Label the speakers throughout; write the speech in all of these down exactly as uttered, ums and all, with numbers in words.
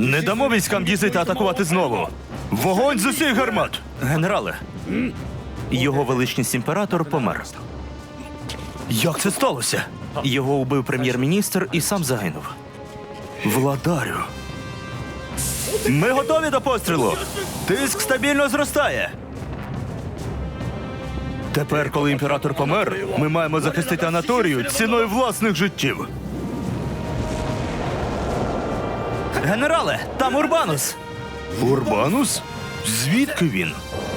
Speaker 1: Не дамо військам Дізита атакувати знову. Вогонь з усіх гармат! Генерале, його величність імператор помер. Як це сталося? Його убив прем'єр-міністр і сам загинув. Владарю. Ми готові до пострілу. Тиск стабільно зростає. Тепер, коли імператор помер, ми маємо захистити Анаторію ціною власних життів. Генерале, там Урбанус. Урбанус? Звідки він?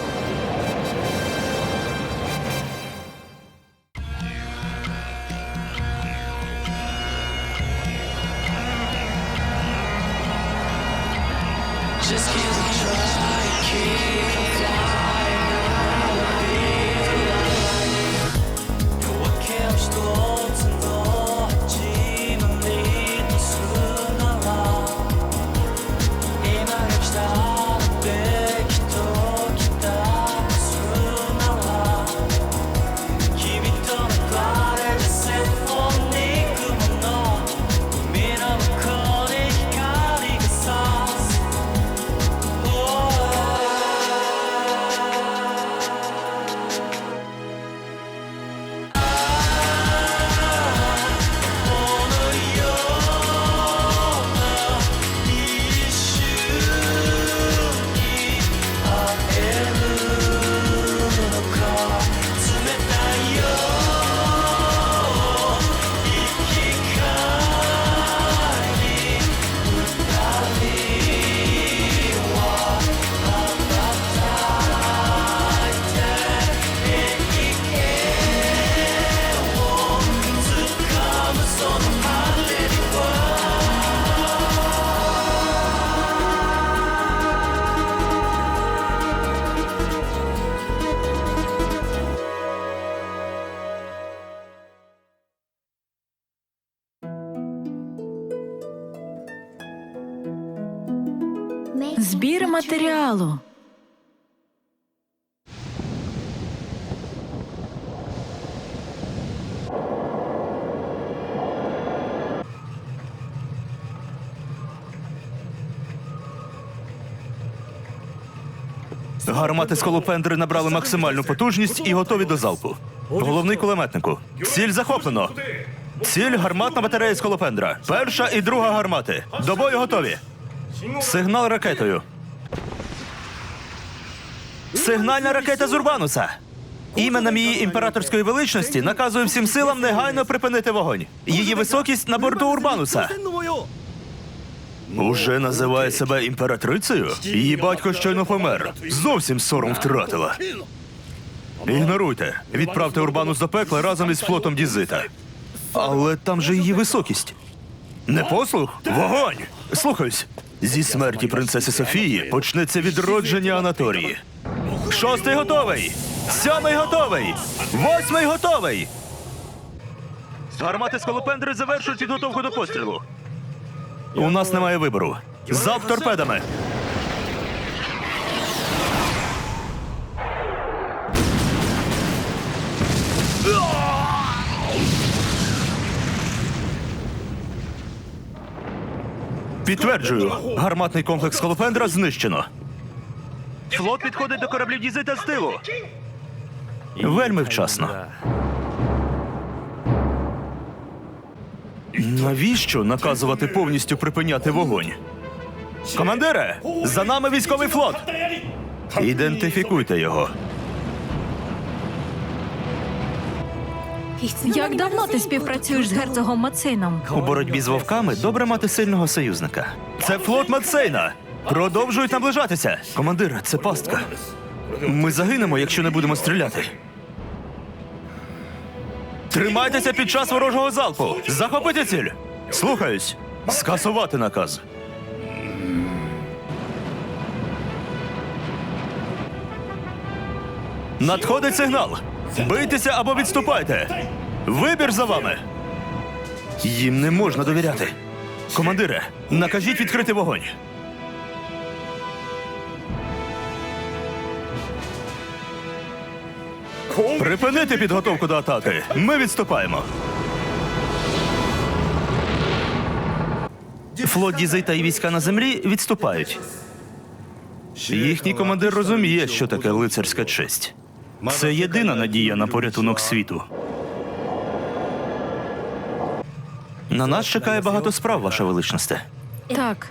Speaker 2: Just keep on trying, keep on flying, I'll be alive. 그렇게 없이도 없던 지만 믿을 순 알아. 이 말을 기다렸대, 기도 기다릴 순 알아. 힘이 떠는 과를 샘포니 꿈은 너 꿈이라고 커내 가리가 사.
Speaker 3: Збір матеріалу.
Speaker 1: Гармати скалопендри набрали максимальну потужність і готові до залпу. Головний кулеметнику. Ціль захоплено. Ціль гарматна батарея скалопендра. Перша і друга гармати. До бою готові. Сигнал ракетою. Сигнальна ракета з Урбануса. Іменем її імператорської величності наказую всім силам негайно припинити вогонь. Її високість на борту Урбануса. Уже називає себе імператрицею? Її батько щойно помер. Зовсім сором втратила. Ігноруйте. Відправте Урбанус до пекла разом із флотом Дізита. Але там же її високість. Непослух? Вогонь! Слухаюсь. Зі смерті принцеси Софії почнеться відродження Анаторії. Шостий готовий! Сьомий готовий! Восьмий готовий! Гармати скалопендри завершують підготовку до пострілу. У нас немає вибору. Залп торпедами! Підтверджую, гарматний комплекс скалопендра знищено. Флот підходить до кораблів Дізита з тилу. Вельми вчасно. Навіщо наказувати повністю припиняти вогонь? Командире, за нами військовий флот! Ідентифікуйте його.
Speaker 3: Як давно ти співпрацюєш з герцогом Мацином?
Speaker 1: У боротьбі з вовками добре мати сильного союзника. Це флот Мацейна! Продовжують наближатися! Командир, це пастка. Ми загинемо, якщо не будемо стріляти. Тримайтеся під час ворожого залпу! Захопити ціль! Слухаюсь! Скасувати наказ. Надходить сигнал! Бийтеся або відступайте! Вибір за вами! Їм не можна довіряти. Командире, накажіть відкрити вогонь. Припинити підготовку до атаки. Ми відступаємо. Флот Дізита і війська на землі відступають. Їхній командир розуміє, що таке лицарська честь. Це єдина надія на порятунок світу. На нас чекає багато справ, ваша величність.
Speaker 3: Так.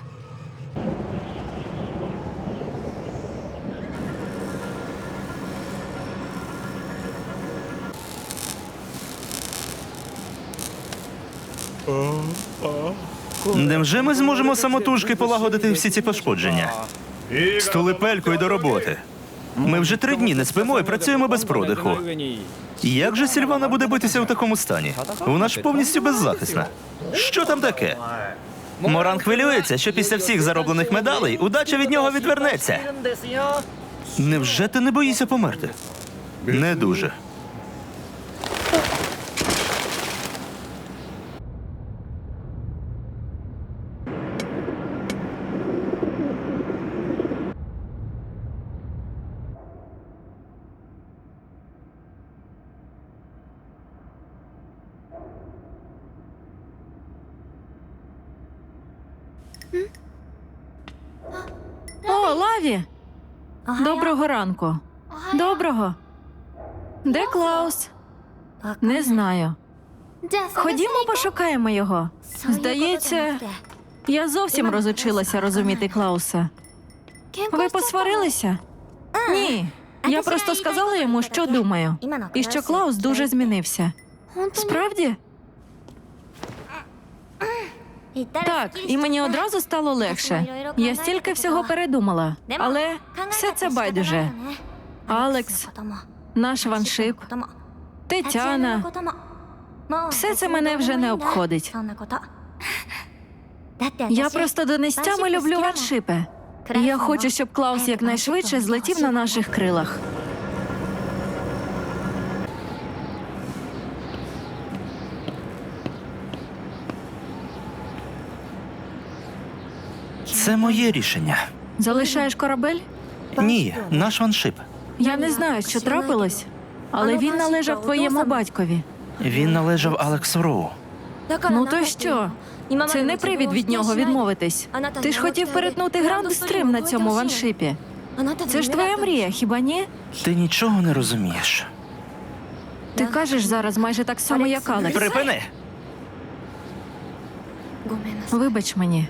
Speaker 1: Невже ми зможемо самотужки полагодити всі ці пошкодження? Стулипелько й до роботи. Ми вже три дні не спимо і працюємо без продиху. Як же Сільвана буде битися в такому стані? Вона ж повністю беззахисна. Що там таке? Моран хвилюється, що після всіх зароблених медалей удача від нього відвернеться. Невже ти не боїшся померти? Не дуже.
Speaker 3: О, Лаві! Доброго ранку. Доброго. Де Клаус? Не знаю. Ходімо, пошукаємо його. Здається, я зовсім розучилася розуміти Клауса. Ви посварилися? Ні. Я просто сказала йому, що думаю. І що Клаус дуже змінився. Справді? Так, і мені одразу стало легше. Я стільки всього передумала. Але все це байдуже. Алекс, наш ваншип, Тетяна. Все це мене вже не обходить. Я просто до нестями люблю ваншипи. Я хочу, щоб Клаус якнайшвидше злетів на наших крилах.
Speaker 1: Це моє рішення.
Speaker 3: Залишаєш корабель?
Speaker 1: Ні, наш ваншип.
Speaker 3: Я не знаю, що трапилось, але він належав твоєму батькові.
Speaker 1: Він належав Алексу Роу.
Speaker 3: Ну то що? Це не привід від нього відмовитись. Ти ж хотів перетнути Гранд Стрим на цьому ваншипі. Це ж твоя мрія, хіба ні?
Speaker 1: Ти нічого не розумієш.
Speaker 3: Ти кажеш зараз майже так само, як Алекс.
Speaker 1: Припини!
Speaker 3: Вибач мені.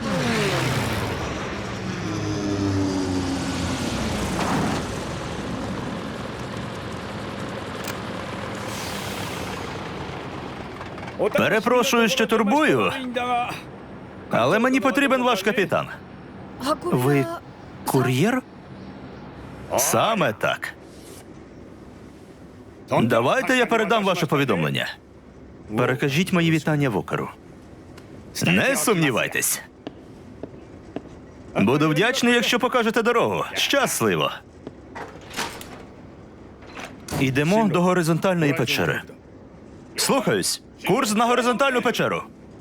Speaker 1: Перепрошую, що турбую, але мені потрібен ваш капітан. Ви кур'єр? Саме так. Давайте я передам ваше повідомлення. Перекажіть мої вітання Вокеру. Не сумнівайтесь. Буду вдячний, якщо покажете дорогу. Щасливо. Йдемо до горизонтальної печери. Слухаюсь. Курс на горизонтальну печеру.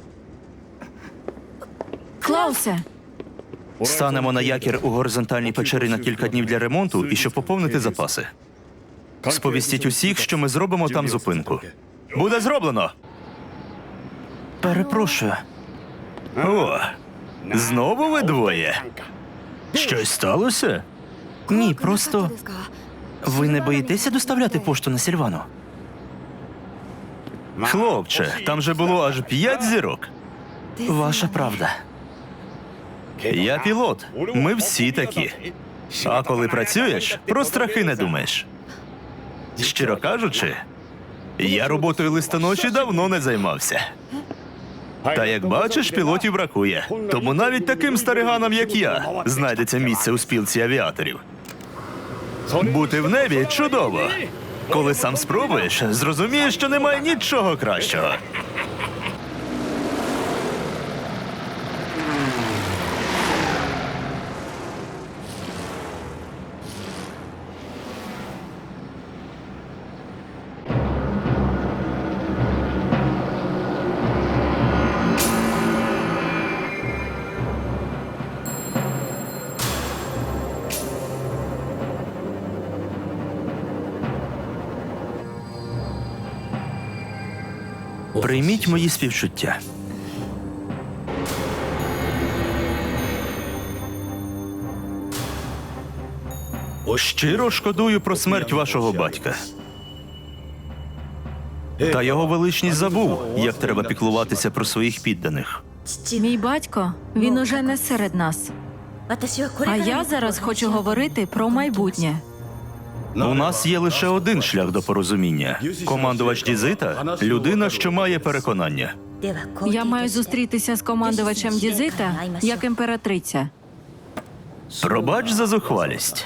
Speaker 3: Клаусе,
Speaker 1: Станемо на якір у горизонтальній печері на кілька днів для ремонту і щоб поповнити запаси. Сповістіть усіх, що ми зробимо там зупинку. Буде зроблено. Перепрошую. О, знову ви двоє. Щось сталося? Ні, просто ви не боїтеся доставляти пошту на Сільвану? Хлопче, там же було аж п'ять зірок. Ваша правда. Я пілот. Ми всі такі. А коли працюєш, про страхи не думаєш. Щиро кажучи, я роботою листоноші давно не займався. Та як бачиш, пілотів бракує. Тому навіть таким стариганам, як я, знайдеться місце у спілці авіаторів. Бути в небі чудово. Коли сам спробуєш, зрозумієш, що немає нічого кращого. Прийміть мої співчуття. Щиро шкодую про смерть вашого батька. Та його величність забув, як треба піклуватися про своїх підданих.
Speaker 3: Мій батько, він уже не серед нас. А я зараз хочу говорити про майбутнє.
Speaker 1: У нас є лише один шлях до порозуміння. Командувач Дізита – людина, що має переконання.
Speaker 3: Я маю зустрітися з командувачем Дізита як імператриця.
Speaker 1: Пробач за зухвалість.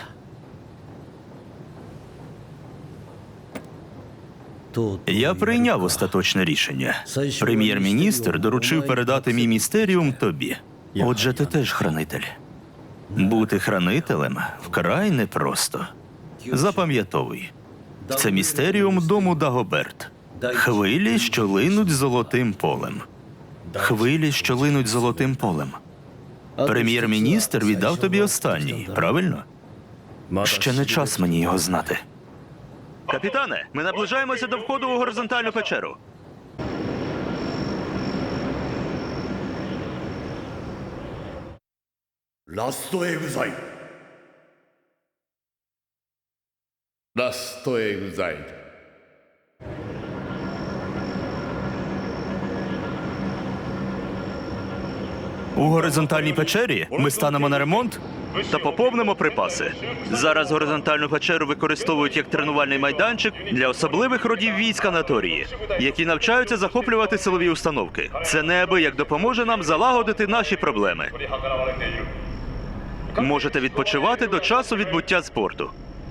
Speaker 1: Я прийняв остаточне рішення. Прем'єр-міністр доручив передати мій містеріум тобі. Отже, ти теж хранитель. Бути хранителем вкрай непросто. Запам'ятовуй. Це містеріум дому Дагоберт. Хвилі, що линуть золотим полем. Хвилі, що линуть золотим полем. Прем'єр-міністр віддав тобі останній, правильно? Ще не час мені його знати. Капітане, ми наближаємося до входу у горизонтальну печеру.
Speaker 4: ラストエグザイルラストエグザイル
Speaker 1: У горизонтальній печері ми станемо на ремонт та поповнимо припаси. Зараз горизонтальну печеру використовують як тренувальний майданчик для особливих родів військ Анаторії, які навчаються захоплювати силові установки. Це неабияк допоможе нам залагодити наші проблеми. Можете відпочивати до часу відбуття спорту.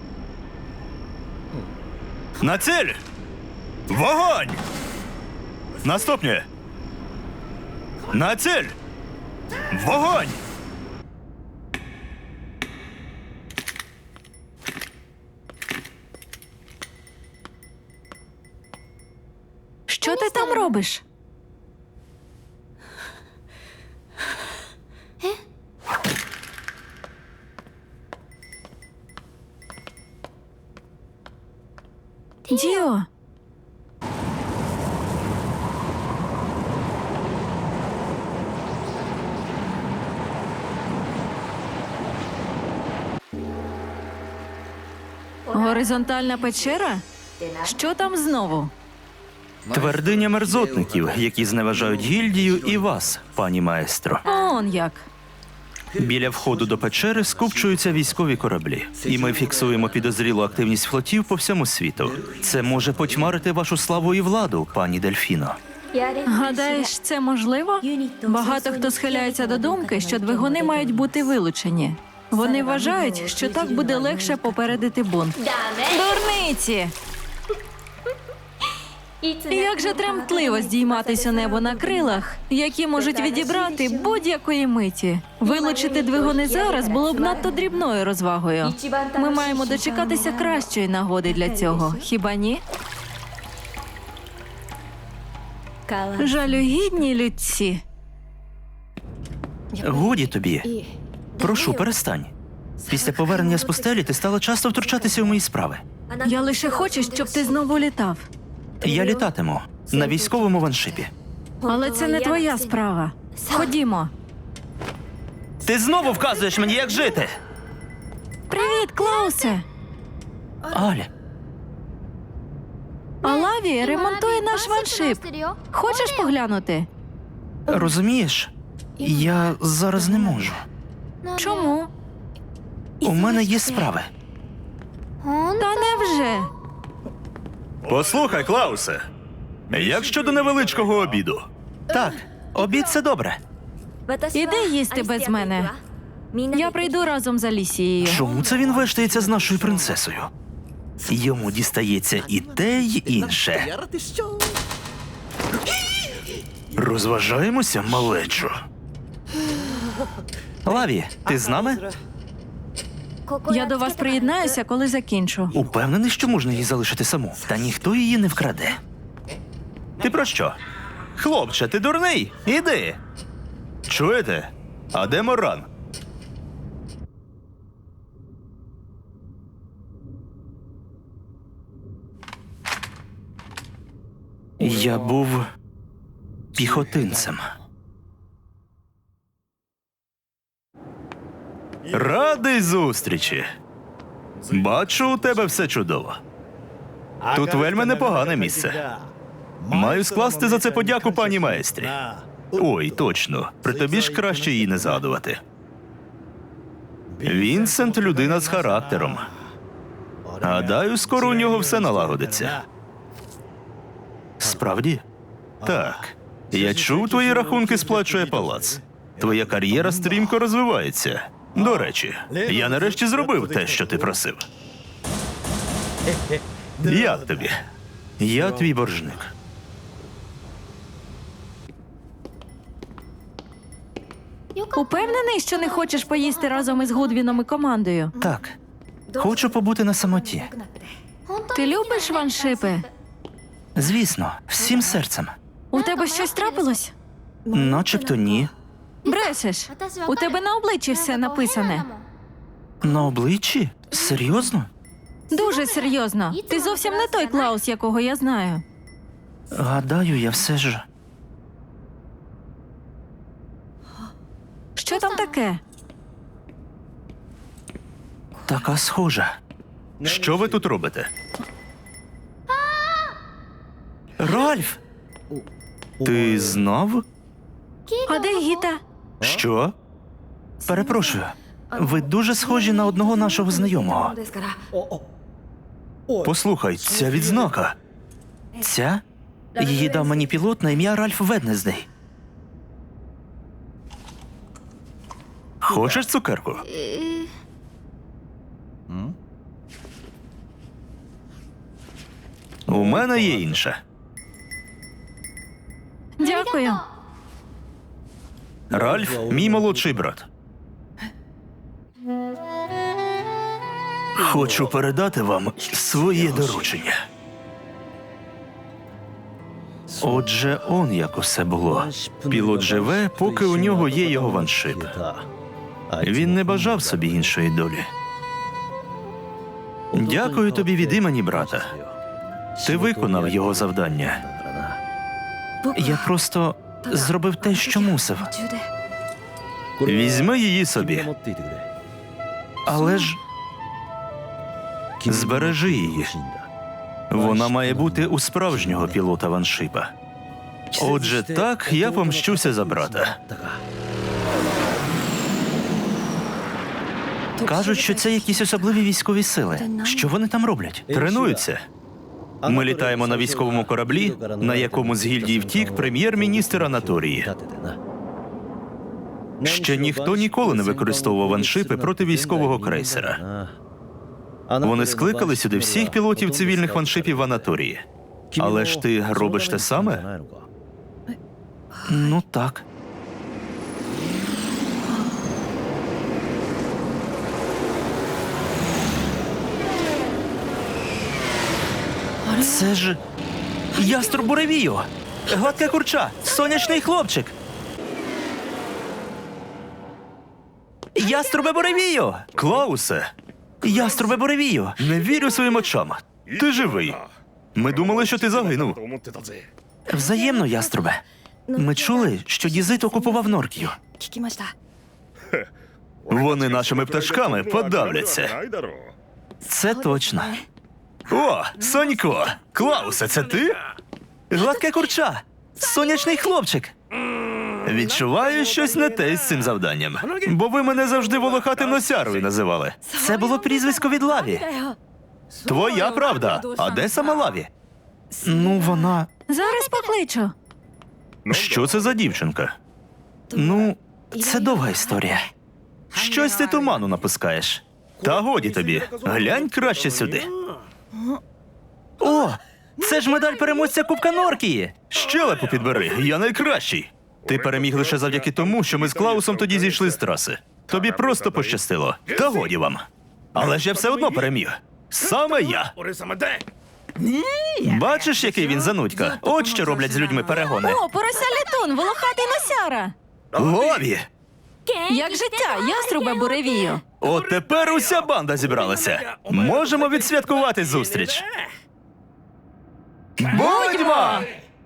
Speaker 1: На ціль! Вогонь! Наступне! На ціль! Вогонь!
Speaker 3: Що ти там робиш? Діо! Горизонтальна печера? Що там знову?
Speaker 1: Твердиня мерзотників, які зневажають гільдію і вас, пані маестро.
Speaker 3: Он як.
Speaker 1: Біля входу до печери скупчуються військові кораблі, і ми фіксуємо підозрілу активність флотів по всьому світу. Це може потьмарити вашу славу і владу, пані Дельфіно.
Speaker 3: Гадаєш, це можливо? Багато хто схиляється до думки, що двигуни мають бути вилучені. Вони вважають, що так буде легше попередити бунт. Дурниці! Як же тремтливо здійматись у небо на крилах, які можуть відібрати будь-якої миті. Вилучити двигуни зараз було б надто дрібною розвагою. Ми маємо дочекатися кращої нагоди для цього, хіба ні? Жалюгідні людці.
Speaker 1: Годі тобі. Прошу, перестань. Після повернення з пустелі ти стала часто втручатися у мої справи.
Speaker 3: Я лише хочу, щоб ти знову літав.
Speaker 1: Я літатиму на військовому ваншипі.
Speaker 3: Але це не твоя справа. Ходімо.
Speaker 1: Ти знову вказуєш мені, як жити.
Speaker 3: Привіт, Клаусе!
Speaker 1: Аля,
Speaker 3: Алаві ремонтує наш ваншип. Хочеш поглянути?
Speaker 1: розумієш, я зараз не можу.
Speaker 3: Чому?
Speaker 1: У мене є справи.
Speaker 3: Та невже?
Speaker 1: Послухай, Клаусе, як щодо невеличкого обіду? Так, обід – це добре.
Speaker 3: Іди їсти без мене. Я прийду разом з Алісією.
Speaker 1: Чому це він вештається з нашою принцесою? Йому дістається і те, й інше. Розважаємося, малечо. Лаві, ти з нами?
Speaker 3: Я до вас приєднаюся, коли закінчу.
Speaker 1: Упевнений, що можна її залишити саму, та ніхто її не вкраде. Ти про що? Хлопче, ти дурний? Іди. Чуєте? А де Моран? Я був піхотинцем. Радий зустрічі. Бачу, у тебе все чудово. Тут вельми непогане місце. Маю скласти за це подяку пані майстрі. Ой, точно. При тобі ж краще її не згадувати. Вінсент – людина з характером. Гадаю, скоро у нього все налагодиться. Справді? Так. Я чув, твої рахунки сплачує палац. Твоя кар'єра стрімко розвивається. До речі, я нарешті зробив те, що ти просив. Як тобі? Я твій боржник.
Speaker 3: Упевнений, що не хочеш поїсти разом із Гудвіном і командою?
Speaker 1: Так. Хочу побути на самоті.
Speaker 3: Ти любиш ваншипи?
Speaker 1: Звісно, всім серцем.
Speaker 3: У тебе щось трапилось?
Speaker 1: Начебто ні.
Speaker 3: Брешеш. У тебе на обличчі все написане.
Speaker 1: На обличчі? Серйозно?
Speaker 3: Дуже серйозно. Ти зовсім не той Клаус, якого я знаю.
Speaker 1: Гадаю, я все ж.
Speaker 3: Що там таке?
Speaker 1: Така схожа. Що ви тут робите? Ральф! Ти знав?
Speaker 3: А де Гіта?
Speaker 1: Що? Перепрошую. Ви дуже схожі на одного нашого знайомого. Послухай, ця відзнака. Ця? Її дав мені пілот на ім'я Ральф Веднездей. Хочеш цукерку? У мене є інша.
Speaker 3: Дякую.
Speaker 1: Ральф – мій молодший брат. Хочу передати вам своє доручення. Отже, он як усе було. Пілот живе, поки у нього є його ваншип. Він не бажав собі іншої долі. Дякую тобі від імені брата. Ти виконав його завдання. Я просто зробив те, що мусив. Візьми її собі. Але ж збережи її. Вона має бути у справжнього пілота ваншипа. Отже, так я помщуся за брата. Кажуть, що це якісь особливі військові сили. Що вони там роблять? Тренуються. Ми літаємо на військовому кораблі, на якому з гільдії втік прем'єр-міністр Анаторії. Ще ніхто ніколи не використовував ваншипи проти військового крейсера. Вони скликали сюди всіх пілотів цивільних ваншипів в Анаторії. Але ж ти робиш те саме? Ну так. Це ж яструб буревію! Гладке курча! Сонячний хлопчик! Яструбе буревію! Клаусе! Яструбе буревію! Не вірю своїм очам! Ти живий! Ми думали, що ти загинув. Взаємно, яструбе. Ми чули, що Дізит окупував Норкію. Вони нашими пташками подавляться. Це точно. О, Сонько! Клаусе, це ти? Гладке курча! Сонячний хлопчик! Відчуваю щось не те з цим завданням. Бо ви мене завжди волохатим носярою називали. Це було прізвисько від Лаві. Твоя правда. А де сама Лаві? Ну, вона...
Speaker 3: Зараз покличу.
Speaker 1: Що це за дівчинка? Ну, це довга історія. Щось ти туману напускаєш. Та годі тобі. Глянь краще сюди. О, це ж медаль переможця Кубка Норкії. Щелепу підбери, я найкращий. Ти переміг лише завдяки тому, що ми з Клаусом тоді зійшли з траси. Тобі просто пощастило. Та годі вам. Але ж я все одно переміг. Саме я. Бачиш, який він занудька? От що роблять з людьми перегони.
Speaker 3: О, порося літун, волохатий носяра.
Speaker 1: Лові!
Speaker 3: Як життя, яструбе буревію.
Speaker 1: От тепер уся банда зібралася. Можемо відсвяткувати зустріч. Будьмо!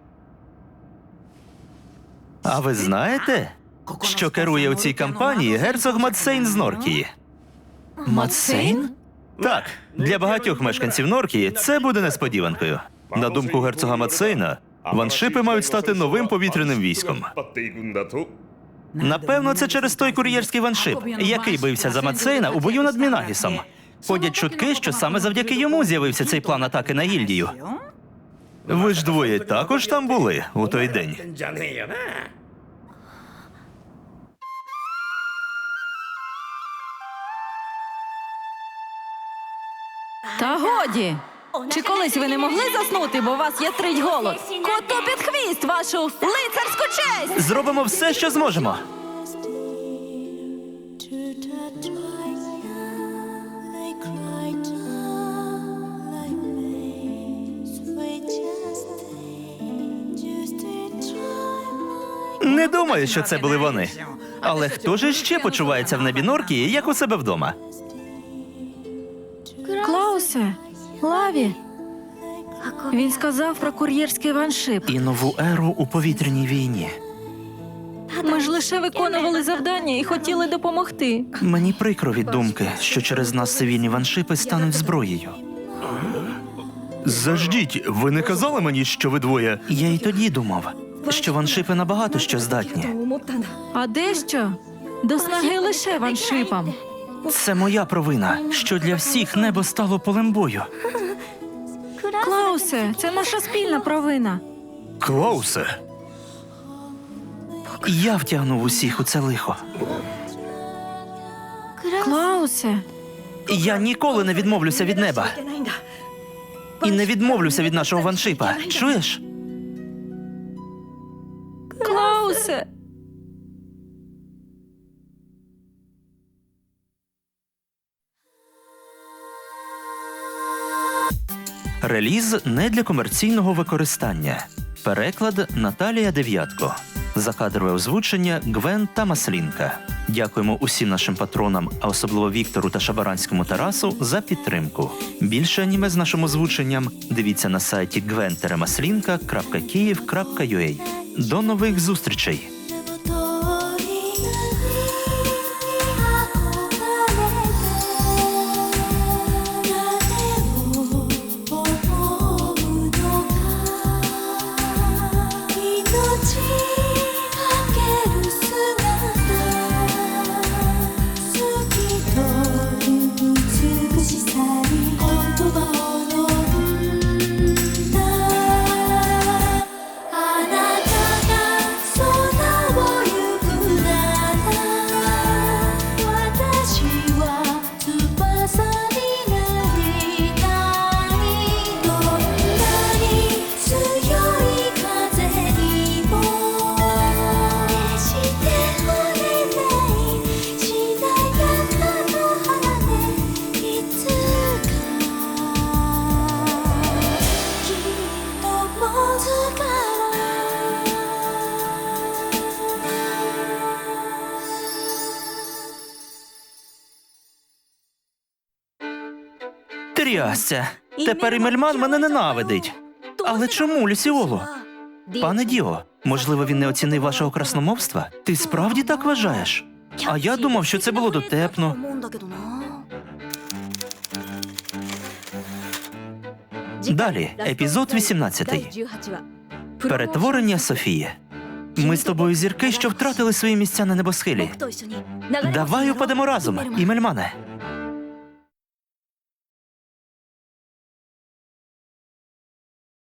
Speaker 1: А ви знаєте, що керує у цій кампанії герцог Мадсейн з Норкії? Мадсейн? Так, для багатьох мешканців Норкії це буде несподіванкою. На думку герцога Мацейна, ваншипи мають стати новим повітряним військом.
Speaker 4: 引っ張っていくんだと
Speaker 1: Напевно, це через той кур'єрський ваншип, який бився за Мацейна у бою над Мінагісом. Ходять чутки, що саме завдяки йому з'явився цей план атаки на гільдію. Ви ж двоє також там були у той день.
Speaker 4: じゃねえよな
Speaker 3: Та годі! Чи колись ви не могли заснути, бо у вас є трить голод? Коту під хвіст вашу лицарську честь!
Speaker 1: Зробимо все, що зможемо. Не думаю, що це були вони. Але хто ж ще почувається в небі Норкії, як у себе вдома?
Speaker 3: Клаусе, Лаві. Він сказав про кур'єрський ваншип.
Speaker 1: І нову еру у повітряній війні.
Speaker 3: Ми ж лише виконували завдання і хотіли допомогти.
Speaker 1: Мені прикро від думки, що через нас цивільні ваншипи стануть зброєю. Заждіть, ви не казали мені, що ви двоє? Я й тоді думав, що ваншипи набагато що здатні.
Speaker 3: А дещо? До снаги лише ваншипам.
Speaker 1: Це моя провина, що для всіх небо стало полем бою.
Speaker 3: Клаусе, це наша спільна провина.
Speaker 1: Клаусе. Я втягнув усіх у це лихо.
Speaker 3: Клаусе,
Speaker 1: Я ніколи не відмовлюся від неба. І не відмовлюся від нашого ваншипа. Чуєш?
Speaker 3: Клаусе.
Speaker 1: Реліз не для комерційного використання. Переклад Наталія Дев'ятко. Закадрове озвучення Гвен та Маслінка. Дякуємо усім нашим патронам, а особливо Віктору та Шабаранському Тарасу, за підтримку. Більше аніме з нашим озвученням дивіться на сайті гвен маслінка крапка київ крапка ю а. До нових зустрічей! Трясця. Тепер і Мельман мене ненавидить. Але чому, Люсіоло? Пане Діо, можливо, він не оцінив вашого красномовства? Ти справді так вважаєш? А я думав, що це було дотепно. Далі, епізод вісімнадцятий. Перетворення Софії. Ми з тобою зірки, що втратили свої місця на небосхилі. Давай упадемо разом, і Мельмане.